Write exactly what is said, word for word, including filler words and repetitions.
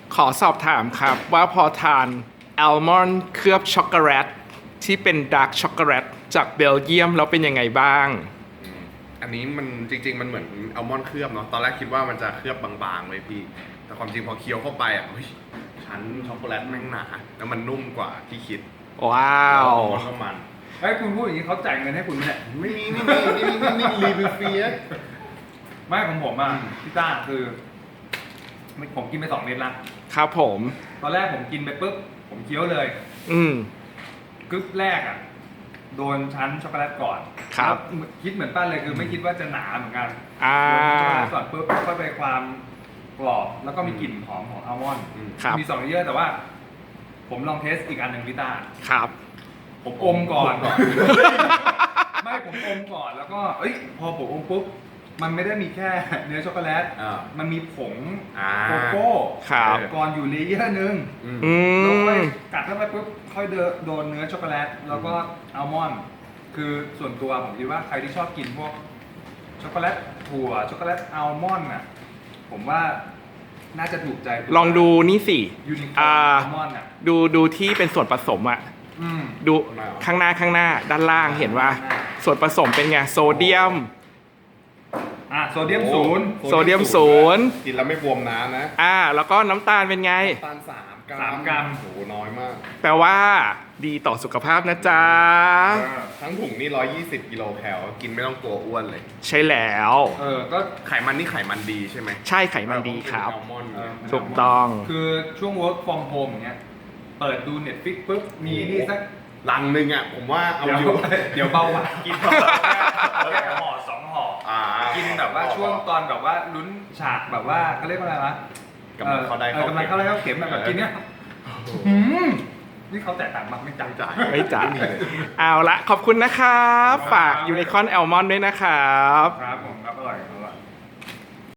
ขอสอบถามครับว่าพอทานอัลมอนด์เคลือบช็อกโกแลตที่เป็นดาร์กช็อกโกแลตจากเบลเยียมแล้วเป็นยังไงบ้างอันนี้มันจริงๆมันเหมือนอัลมอนด์เคลือบเนาะตอนแรกคิดว่ามันจะเคลือบบางๆเลยพี่แต่ความจริงพอเคี้ยวเข้าไปอ่ะเฮ้ยชั้นช็อกโกแลตแม่งหนาแล้วมันนุ่มกว่าที่คิดว้าวมันก็มันเฮ้ยคุณพูดอย่างนี้เขาจ่ายเงินให้คุณไหมเนี่ยไม่มีไม่มีนี่นี่นี่รีวิวฟรีอะไม่ของผมอ่ะพี่ต้าคือผมกินไปสองเม็ดละครับผมตอนแรกผมกินไปปุ๊บผมเคี้ยวเลยอืมกึ๊บแรกอ่ะโดนชั้นช็อกโกแลตก่อนครับแล้วคิดเหมือนป้านเลยคือไม่คิดว่าจะหนาเหมือนกันอ่าโดนช็อกโกแลตก่อนปุ๊บแล้วก็ไปความกรอบแล้วก็มีกลิ่นหอมของอัลมอนด์ครับมีสองเลเยอร์แต่ว่า ผมลองเทสอีกอันหนึ่งพี่ต้าครับผมอมก่อน ไม่ผมอมก่อนแล้วก็เอ้ยพอผมอมปุ๊บมันไม่ได้มีแค่เนื้อช็อกโกแลตอ่ามันมีผงอ่าโกโก้ครับก่อนอยู่เลเยอร์หนึงอืมอืแล้วค่อยมกัดเข้าไปปุ๊บค่อยเดนโดนเนื้อช็อกโกแลตแล้วก็อัลมอนด์คือส่วนตัวผมคิดว่าใครที่ชอบกินพวกช็อกโกแลตถั่วช็อกโกแลตอัลมอนด์อ่ะผมว่าน่าจะถูกใจลองดูนี่สิยูนิคออ่าร์นอัลมอนด์อ่ะดูดูที่เป็นส่วนผสมอะอืมดูข้างหน้าข้างหน้าด้านล่างเห็นว่า ส่วนผสมเป็นไงโซเดียมอ่ะโซเดียมศูนย์โซเดียมศูนย์กินแล้วไม่บวมน้ำนะอ่า แล้วก็น้ำตาลเป็นไงน้ำตาลสามกรัมสามกรัมโอ้โหน้อยมากแปลว่าดีต่อสุขภาพนะจ๊ะทั้งถุงนี่หนึ่งร้อยยี่สิบกิโลแคลกินไม่ต้องกลัวอ้วนเลยใช่แล้วเออก็ไขมันนี่ไขมันดีใช่ไหมใช่ไขมันดีครับอัลมอนด์เออถูกต้องคือช่วง work from home อย่างเงี้ย เปิดดู Netflix ปุ๊บ มีนี่สักลังหนึ่งอ่ะผมว่าเอาเดี๋ยวอยู่เดี๋ยวเบาหวานกินแค่ห่อสองห่ออ่ากินแบบว่าช่วงตอนแบบว่าลุ้นฉากแบบว่าเขาเรียกว่าอะไรวะกำลังเข้าได้ออกำลังเข้าได้เข้าเข็มแบบแบบกินเนี้ยหืมนี่เขาแตกต่างมากไม่จังจ่ายไม่จ่ายมีเลยเอาละขอบคุณนะครับครับฝากยูนิคอนแอลมอนด้วยนะครับครับผมครับอร่อย